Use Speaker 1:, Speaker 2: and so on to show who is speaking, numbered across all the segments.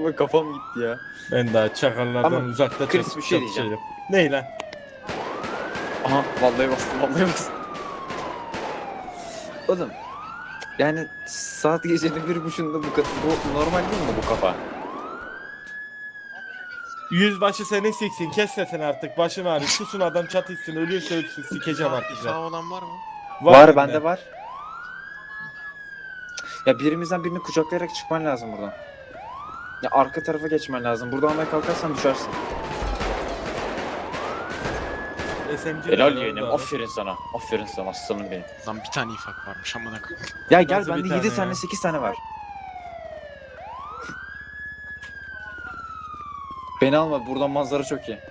Speaker 1: Vallahi kafam gitti ya.
Speaker 2: Ben daha çakallardan
Speaker 1: Ama
Speaker 2: uzakta
Speaker 1: Chris, bir şey diyeceğim.
Speaker 2: çatışırım. Ney lan?
Speaker 1: Aha vallahi bastım vallahi bastım. Oğlum yani saat gecenin 1.30'unda bu normal değil mi bu kafa?
Speaker 2: Yüzbaşı seni siksin, kes sesini artık, başım ağrıyor. Susun, adam çatışsın, ölüyorsa ölsün, sikeceğim artık
Speaker 3: İfa
Speaker 2: ben.
Speaker 3: olan var mı?
Speaker 1: Var bende var. Ya birimizden birini kucaklayarak çıkman lazım buradan. Ya arka tarafa geçmen lazım. Burada almaya kalkarsan düşersin.
Speaker 2: SMG
Speaker 1: Helal
Speaker 2: var
Speaker 1: yeğenim.
Speaker 2: orada.
Speaker 1: Aferin sana. Aferin sana aslanım benim.
Speaker 3: Lan bir tane ifak varmış amına koyayım.
Speaker 1: Ya gel
Speaker 2: Nasıl bir
Speaker 1: bende
Speaker 2: tane
Speaker 1: 7 tane
Speaker 2: ya?
Speaker 1: 8 tane var. Beni alma, buradan manzara çok iyi.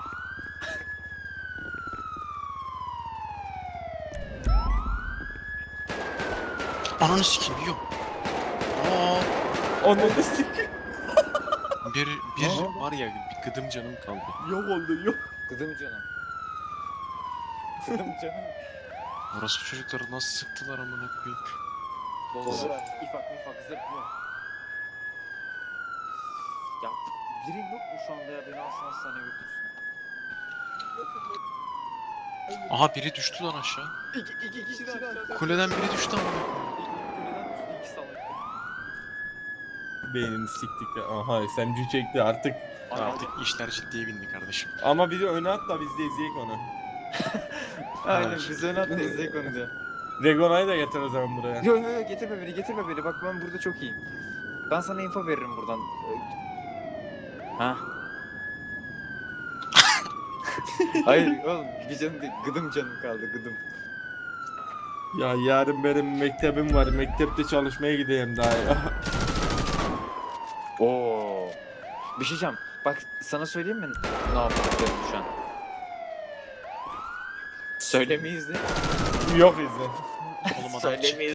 Speaker 3: Ananı sikeyim yok. Aa,
Speaker 2: Onu da sik.
Speaker 3: bir
Speaker 2: Aha.
Speaker 3: var ya bir gıdım canım kaldı.
Speaker 2: Yok oldu, yok.
Speaker 1: Kıdım canım. Kıdım canım.
Speaker 3: Orası çocukları nasıl sıktılar amına koyayım.
Speaker 1: Doldur. İfak mifak zırhlı. Ya birin yok mu şu anda ya, beni alsın hastaneye götürsün.
Speaker 3: Aha biri düştü lan aşağı.
Speaker 1: İki kişi de aşağıda.
Speaker 3: Kuleden biri düştü amına koyayım.
Speaker 1: Kuleden düştü, iki salak.
Speaker 2: Beynini siktik de. Aha, SMG çekti artık.
Speaker 3: Artık işler ciddiye bindi kardeşim.
Speaker 2: Ama biri öne at da biz de izleyek onu.
Speaker 1: Aynen biz öne atla izleyek onu diyor.
Speaker 2: Regona'yı da getir o zaman buraya.
Speaker 1: Yo yo yo, getirme beni, bak ben burada çok iyiyim. Ben sana info veririm buradan. Ha? Hayır oğlum, bir canım değil, gıdım canım kaldı, gıdım.
Speaker 2: Ya yarın benim mektebim var. Mektepte çalışmaya gideyim daha ya.
Speaker 1: Oo. Bir şey diyeceğim. Bak sana söyleyeyim mi ne yapacağım şu an? Söylemeyiz de.
Speaker 2: Yok izle.
Speaker 3: Oğlum adam
Speaker 1: Söylemeyiz.